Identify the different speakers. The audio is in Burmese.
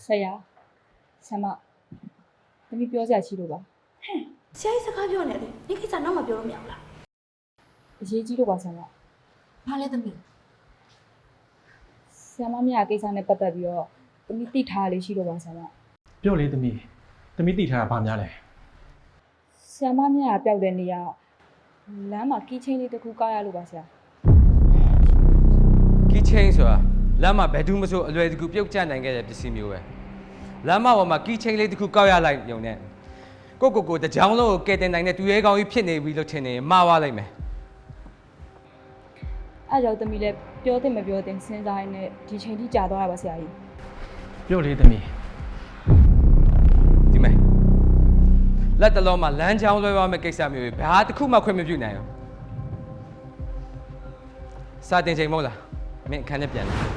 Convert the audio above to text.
Speaker 1: ဆရာဆမသမီးပြောစရာရှိလို့ပါ
Speaker 2: ဆရာကြီးစကားပြောနေတယ်ဒီကိစ္စတော့မပြောလို့မရဘူးလား
Speaker 1: အရေးကြီးလို့ပါဆမ
Speaker 2: ဘာလဲသမီး
Speaker 1: ဆရာမမြတ်ကိစ္စနဲ့ပတ်သက်ပြီးတော့သမီးသိထားလေးရှိလို့ပါဆမ
Speaker 3: ပြောလေသမီးသိထားတာဘာများလဲ
Speaker 1: ဆရာမမြတ်ပျောက်တဲ့နေရာလမ်းမှာကီးချင်းလေးတစ်ခုကောက်ရလို့ပါဆရာ
Speaker 4: ကီးချင်းဆိုတာလမ်းမှာဘယ်သူမှမဆိုအလွယ်တကူပြုတ်ကျနိုင်ခဲ့တဲ့ပစ္စည်းမျိုးပဲလမ်းမပေါ်မှာကီးချင်းလေးတစ်ခုကောက်ရလိုက်ရုံနဲ့ကိုတကြောင်လုံးကိုကဲတင်နိုင်တဲ့သူရဲကောင်းကြီးဖြစ်နေပြီလို့ထင်နေမှားသွားလိုက်မယ်
Speaker 1: အဲ့ကြောင့်သမီးလည်းပြောတဲ့မပြောတဲ့စဉ်းစားရင်းနဲ့ဒီချိန်ထိကြာသွားတာပါဆရာကြီး
Speaker 3: ပြောလေသမီး
Speaker 4: ဒီမဲ့လက်တလုံးမှာလမ်းကြောင်းလွှဲသွားမယ့်ကိစ္စမျိုးတွေဘာတစ်ခုမှခွင့်မပြုနိုင်ဘူးစာတင်ချိန်မဟုတ်လားမင်းအခန်းထဲပြန်လာ